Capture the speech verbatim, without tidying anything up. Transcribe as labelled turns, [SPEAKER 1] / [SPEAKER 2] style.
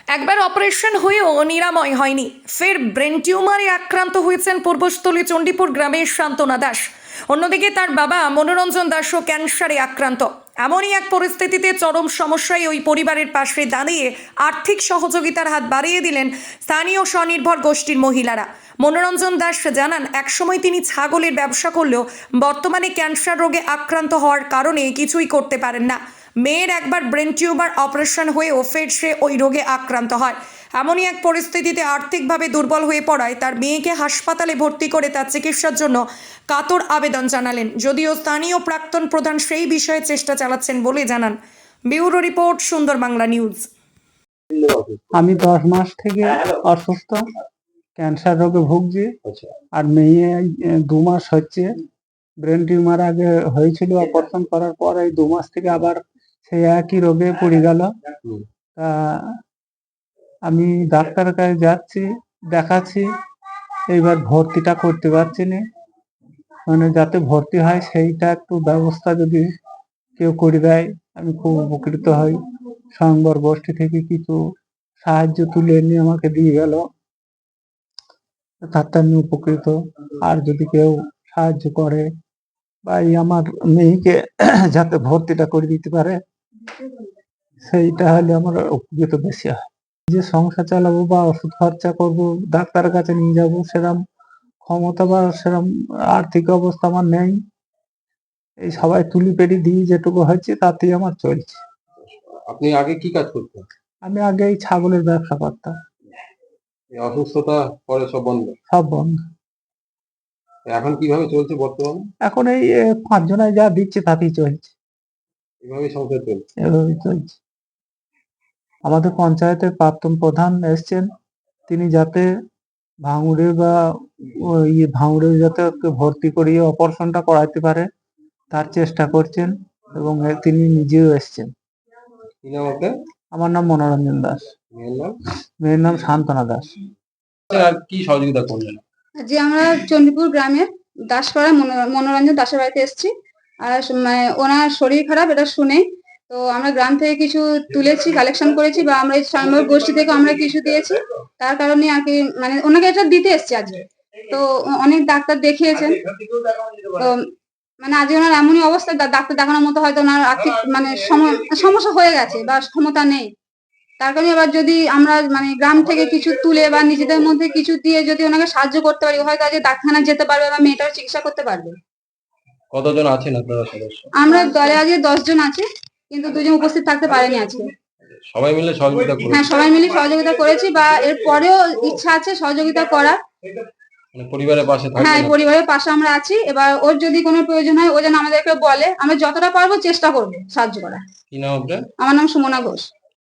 [SPEAKER 1] একবার অপারেশন হয়েও নিরাময় হয়নি, ফের ব্রেন টিউমারে আক্রান্ত হয়েছেন পূর্বস্থলী চণ্ডীপুর গ্রামের সান্তনা দাস। অন্যদিকে তার বাবা মনোরঞ্জন দাসও ক্যান্সারে আক্রান্ত। এমনই এক পরিস্থিতিতে চরম সমস্যায় ওই পরিবারের পাশে দাঁড়িয়ে আর্থিক সহযোগিতার হাত বাড়িয়ে দিলেন স্থানীয় স্বনির্ভর গোষ্ঠীর মহিলারা। মনোরঞ্জন দাস জানান, একসময় তিনি ছাগলের ব্যবসা করলেও বর্তমানে ক্যান্সার রোগে আক্রান্ত হওয়ার কারণে কিছুই করতে পারেন না। মেয়ের একবার ব্রেন টিউমার অপারেশন হয়েও ফের সে ওই রোগে আক্রান্ত হয়। এমনই এক পরিস্থিতিতে আর্থিকভাবে দুর্বল হয়ে পড়ায় তার মেয়েকে হাসপাতালে ভর্তি করে তার চিকিৎসার জন্য কাতর আবেদন জানালেন। যদিও স্থানীয় প্রাক্তন প্রধান সেই বিষয়ে চেষ্টা চালাচ্ছেন বলে জানান। ব্যুরো রিপোর্ট, সুন্দর বাংলা নিউজ।
[SPEAKER 2] আমি দশ মাস থেকে অসুস্থ, ক্যান্সার রোগে ভুগছি। আর মেয়ে এই দু মাস হচ্ছে ব্রেন টিউমার আগে হয়েছিল, অপারেশন করার পর এই দু মাস থেকে আবার সেই একই রোগে পড়ে গেল। তা আমি ডাক্তারের কাছে যাচ্ছি, দেখাচ্ছি, এইবার ভর্তিটা করতে পারছি না। মানে যাতে ভর্তি হয় সেইটা একটু ব্যবস্থা যদি কেউ করে দেয় আমি খুব উপকৃত হই। স্বয়ংবর গোষ্ঠী থেকে কিছু সাহায্য তুলে নিয়ে আমাকে দিয়ে গেল, তাতে আমি উপকৃত। আর যদি কেউ সাহায্য করে বা এই আমার মেয়েকে যাতে ভর্তিটা করে দিতে পারে, সেইটা হলে আমার উপকৃত বেশি হয়। যে সংসার চালাবো বা ওষুধ খরচা করব, ডাক্তারের কাছে নিয়ে যাবো, সেরকম ক্ষমতা বা সেরকম আর্থিক অবস্থা আমার নেই। এই সবাই তুলি পেড়ি দিয়ে যেটুকু হচ্ছে তাতেই আমার চলছে।
[SPEAKER 3] আপনি আগে কি কাজ করতেন?
[SPEAKER 2] আমি আগে এই ছাগলের ব্যবসা করতাম।
[SPEAKER 3] এই অসুস্থতা পরে সব বন্ধ?
[SPEAKER 2] সব বন্ধ।
[SPEAKER 3] এখন কিভাবে চলছে বর্তমানে?
[SPEAKER 2] এখন এই এ, পাঁচ জনায় যা দিচ্ছে তাতেই চলছে,
[SPEAKER 3] এভাবে সংসার চলছে?
[SPEAKER 2] এভাবেই চলছে। আমাদের পঞ্চায়েতের প্রাক্তন প্রধান এসছেন, তিনি যাতে ভাঙড়ে বা ওই ভাঙড়ে যাতে ওকে ভর্তি করিয়ে অপারেশনটা করাতে পারে তার চেষ্টা করছেন, এবং এ তিনি নিজেও এসছেন।
[SPEAKER 3] কি নাম আপনার?
[SPEAKER 2] আমার নাম মনোরঞ্জন দাস।
[SPEAKER 3] মেয়ের নাম?
[SPEAKER 2] মেয়ের নাম সান্তনা দাস।
[SPEAKER 3] আর কি সহযোগিতা করলেন?
[SPEAKER 4] যে আমরা চণ্ডীপুর গ্রামের দাসপাড়া মনোরঞ্জন দাসের বাড়িতে এসেছি। আর মানে ওনার শরীর খারাপ এটা শুনে তো আমরা গ্রাম থেকে কিছু তুলেছি, কালেকশন করেছি, বা আমরা এই স্বয়ংবর গোষ্ঠী থেকে আমরা কিছু দিয়েছি। তার কারণে আর কি মানে ওনাকে এটা দিতে এসেছি আজকে। তো অনেক ডাক্তার দেখিয়েছেন, তো মানে আজকে ওনার এমনই অবস্থা, ডাক্তার দেখানোর মতো হয়তো ওনার আর্থিক মানে সমস্যা হয়ে গেছে বা ক্ষমতা নেই। তার কারণে এবার যদি আমরা মানে গ্রাম থেকে কিছু তুলে বা নিজেদের মধ্যে কিছু দিয়ে যদি ওনাকে সাহায্য করতে পারি, হয়তো আজকে ডাক্তারখানায় যেতে পারবে বা মেয়েটার চিকিৎসা করতে পারবে।
[SPEAKER 3] কতজন আছেন আপনারা সদস্য?
[SPEAKER 4] আমরা দলে আজকে দশ জন আছি, কিন্তু দুজন উপস্থিত থাকতে পারেনি আজকে।
[SPEAKER 3] সবাই মিলে সহযোগিতা করেন?
[SPEAKER 4] হ্যাঁ, সবাই মিলে সহযোগিতা করেছি, বা এর পরেও ইচ্ছা আছে সহযোগিতা করার।
[SPEAKER 3] মানে পরিবারের পাশে থাকবেন?
[SPEAKER 4] হ্যাঁ, পরিবারের পাশে আমরা আছি। এবার ওর যদি কোনো প্রয়োজন হয় ও যেন আমাদেরকে বলে, আমরা যতটা পারবো চেষ্টা করবো সাহায্য করার।
[SPEAKER 3] কি নাম আপনার?
[SPEAKER 4] আমার নাম সুমনা ঘোষ।